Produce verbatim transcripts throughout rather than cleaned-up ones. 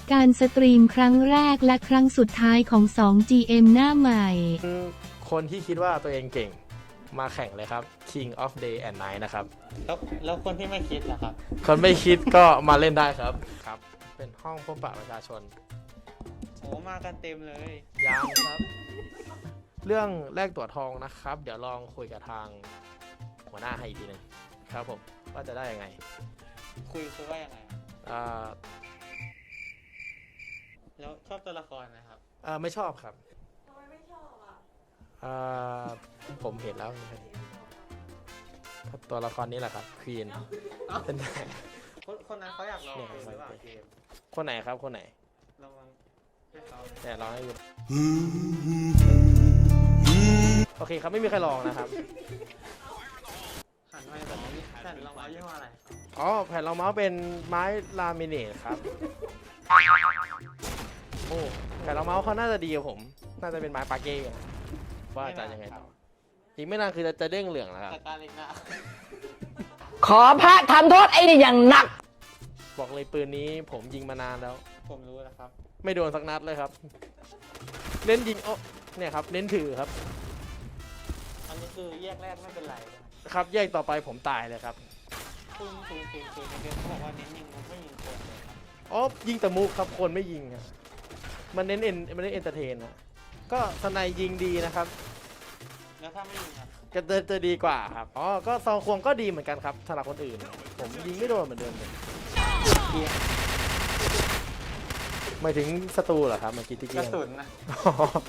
การสตรีมครั้งแรกและครั้งสุดท้ายของ สอง จี เอ็ม หน้าใหม่คนที่คิดว่าตัวเองเก่งมาแข่งเลยครับ King of Day and Night นะครับแล้วแล้วคนที่ไม่คิดล่ะครับคนไม่คิดก็มาเล่นได้ครับครับ เป็นห้องพบปะประชาชนโอ้มากันเต็มเลยยังครับ เรื่องแลกตั๋วทองนะครับ เดี๋ยวลองคุยกับทางหัวหน้าให้อีกทีหนึงครับผมว่าจะได้ยังไงคุยคือว่ายังไงครับอ่าแล้วชอบตัวละครไหมครับอ่าไม่ชอบครับทำไมไม่ชอบอ่ะอ่าผมเห็นแล้วตัวละครนี้แหละครับควีนเป็นคนคนนั้นเขาอยากลองเกมหรือเปล่าเกมคนไหนครับคนไหนลองลองให้เขาแต่ลองให้ดูโอเคครับไม่มีใครลองนะครับหันมาแบบนี้หันลองเอายี่ห้ออะไรอ๋อแผ่นรองเมาส์เป็นไม้ลามิเนตครับโอ้แผ่นรองเมาส์เขาน่าจะดีกับผม น่าจะเป็นไม้ปาเก้ว่าจะยังไงต่ออีกไม่นานคือจะจะเด้งเหลืองแล้วครับจัดการเองนะขอพระทำโทษไอ้นี่อย่างหนักบอกเลยปืนนี้ผมยิงมานานแล้วผมรู้แล้วครับไม่โดนสักนัดเลยครับ เน้นยิงโอ้เนี่ยครับเน้นถือครับอันนี้คือแยกแรกไม่เป็นไรนะครับครับแยกต่อไปผมตายเลยครับคุณคุณคุณคุณในเกมเขาบอกว่าเน้นยิงมุกไม่ยิงคนเลยครับอ๋อยิงแต่มุกครับคนไม่ยิงครับมันเน้นเอ็นมันเน้นเอนเตอร์เทนนะก็สไนยิงดีนะครับแล้วถ้าไม่ยิงครับก็จะจะดีกว่าครับอ๋อก็ซองควงก็ดีเหมือนกันครับสำหรับคนอื่น ผมยิงไม่โดนเหมือนเดิมเลยหมายถึงศัตรูเหรอครับเมื่อกี้ที่กเกี้ระยงสุนนะอ๋อ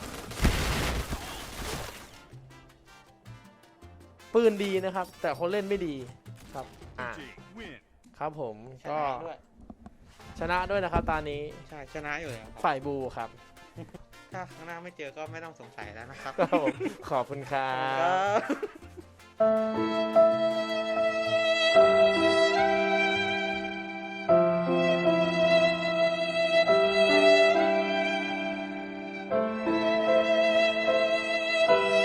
ปืนดีนะครับ แต่คนเล่นไม่ดีครับอ่าครับผมชก็นะด้วยชนะด้วยนะครับตอนนี้ใช่ชนะอยู่แล้วครับฝ่ายบูครับถ้าครั้งหน้าไม่เจอก็ไม่ต้องสงสัยแล้วนะครับครับผมขอบคุณครับครับ